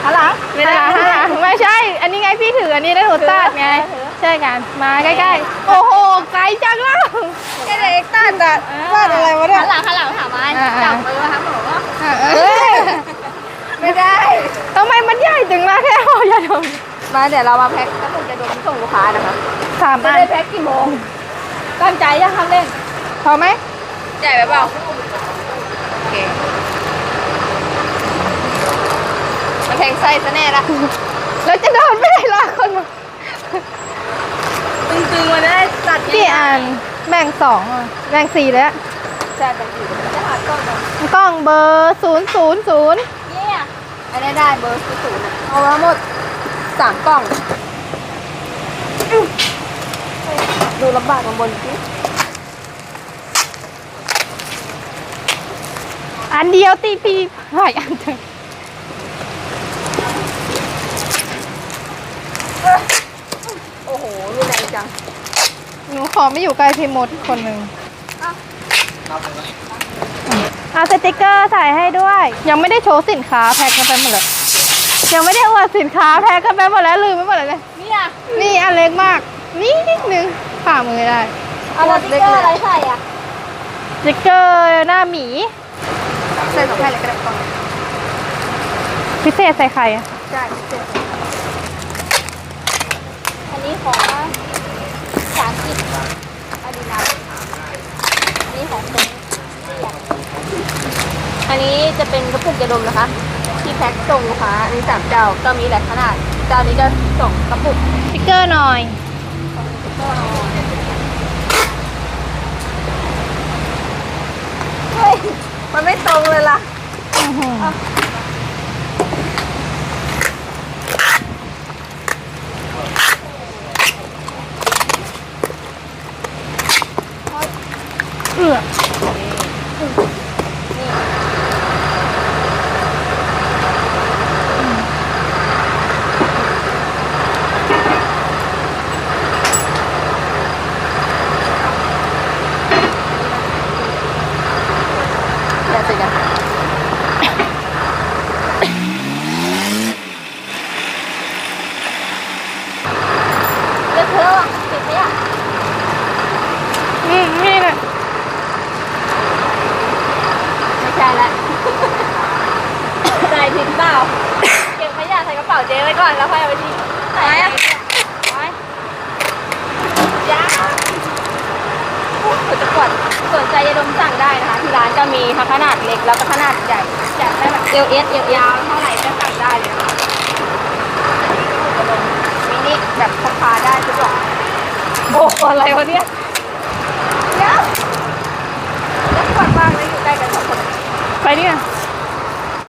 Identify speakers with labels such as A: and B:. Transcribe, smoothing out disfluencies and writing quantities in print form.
A: หันหลังไม่ได้
B: ไม่ใช่อันนี้ไงพี่ถืออันนี้ได้หนูตัดไงใช่กันมาใกล้ๆโอ้โหไกลจังล่ะ
A: ไอ้เด็กตัดอะวาดอะไรวะเนี่ยหันหลังถามมาจับมือครับหนูไม่ได้
B: ทำไมมันใหญ่จังล่ะแค่ห่อยาดม
A: มาเดี๋ยวเรามาแพ็คกระปุกยาดมส่งลูกค้านะคะ
B: 3 อัน
A: ได้แพ็คกี่โมงตั้งใจยังทำเล่น
B: พอไหม
A: ใหญ่ไปเปล่าโอเคมันแทงไส้ซะแน่ละ
B: แล้วจะเดินไม่ได้ละคนมา
A: ตึงๆมาได้ตัด
B: กี่อันแบ่ง2แบ่ง4แล้ว
A: ใช่แบ่ง4จะหากล้อง
B: กล้องเบอร์000
A: เนี่ยอันนี้ได้เบอร์00เอามาหมด3 กล้องดูลำบากบนสิ
B: อันเดียวตีพีหลายอันจัง
A: โอ้โหรุนแรงจัง
B: หนูขอไม่อยู่ใกล้พี่มดคนหนึ่งเอาสติกเกอร์ใส่ให้ด้วยยังไม่ได้โชว์สินค้าแพ็คกันไปหมดเลยยังไม่ได้อวดสินค้าแพ็คกันไปหมดแล้วลืมไปหมดเลยนี่อันเล็กมากนี่นิดนึงฝ่ามือได้
A: เอาสติกเกอร์อะไรใส่อะ
B: สติกเกอร์หน้าหมี
A: ใส่2 แผ่นเลยก็ได้ก่อน
B: พิเศษใส่ไข่อะ
A: ใช่พิเศษอันนี้ของภาษาอังกฤษอาดิดาสอันนี้ของคนอันนี้จะเป็นกระปุกยาดมนะคะที่แพ็คส่งลูกค้าอันนี้3 เจ้าก็มีหลายขนาดเจ้านี้จะส่งกระปุก
B: สติกเกอร์หน่อย
A: เฮ้ยมันไม่ตรงเลยล่ะ
B: นี่แหละ
A: ไม่ใช่ละใส่ผิดเปล่าเก็บขยะใส่กระเป๋าเจ๊ไว้ก่อนแล้วค่อยเอาไปทิ้งใส่อะยาจะกดสนใจยาดมสั่งได้นะคะที่ร้านจะมีทั้งขนาดเล็กแล้วก็ขนาดใหญ่อยากได้แบบเอลยาวเท่าไหร่ก็สั่งได้เลยค่ะมินิแบบพกพาได้ทุกอย่างโอ้อะไรวะเนี่ยแล้วกดบ้างแล้วอยู่ใกล้กัน2 คน
B: ไปเนี่ย